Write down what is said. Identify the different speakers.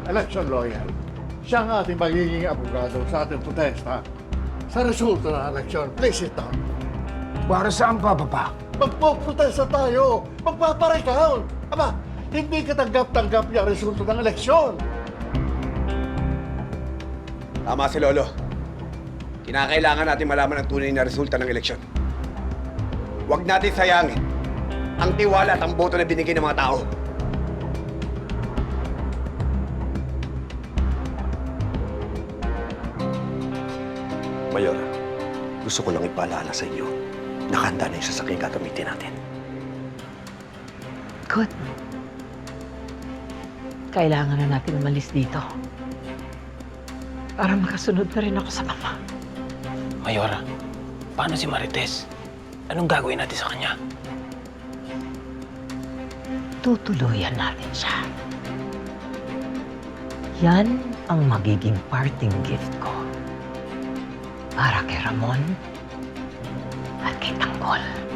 Speaker 1: election lawyer. Siya ang ating magiging abogado sa ating protesta sa resulta ng eleksyon. Please sit down.
Speaker 2: Para saan pa, Papa?
Speaker 1: Magpo-protesta tayo. Magpaparecount. Aba, hindi katanggap-tanggap yung resulta ng eleksyon.
Speaker 3: Tama si Lolo. Kinakailangan natin malaman ang tunay na resulta ng eleksyon. Huwag natin sayangin ang tiwala at ang boto na binigay ng mga tao.
Speaker 4: Mayor, gusto ko lang ipaalala sa inyo. Nakahanda na yung sasakyan gagamitin natin.
Speaker 5: Good. Kailangan na natin umalis dito. Para makasunod na rin ako sa mama.
Speaker 6: Mayora, paano si Marites? Anong gagawin natin sa kanya?
Speaker 5: Tutuluyan natin siya. Yan ang magiging parting gift ko. Para kay Ramon at kay Tanggol.